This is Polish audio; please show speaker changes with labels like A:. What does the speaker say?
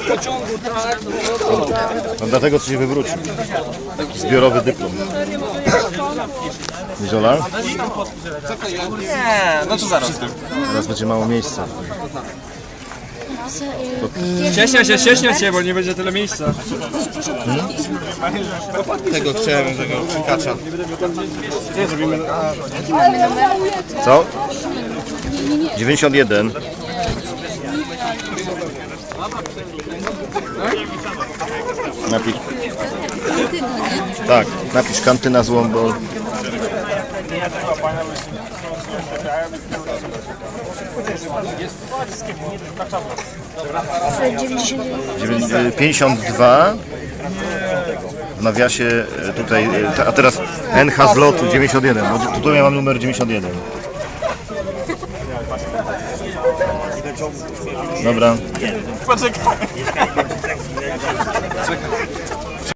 A: pociągu, tak.
B: No dlatego co się wywrócił. Taki zbiorowy dyplom. Zola?
A: Nie, no to zaraz.
B: Teraz będzie mało miejsca.
A: Cieśnia się, bo nie będzie tyle miejsca.
C: Tego chciałem, tego kacza.
B: Co? 91. Napisz. Tak, napisz kantyna Złombol.
D: Dziewięćdziesiąt
B: 52. W nawiasie tutaj, a teraz NH z lotu 91. Bo tutaj ja mam numer 91. Dobra.
A: Poczekaj.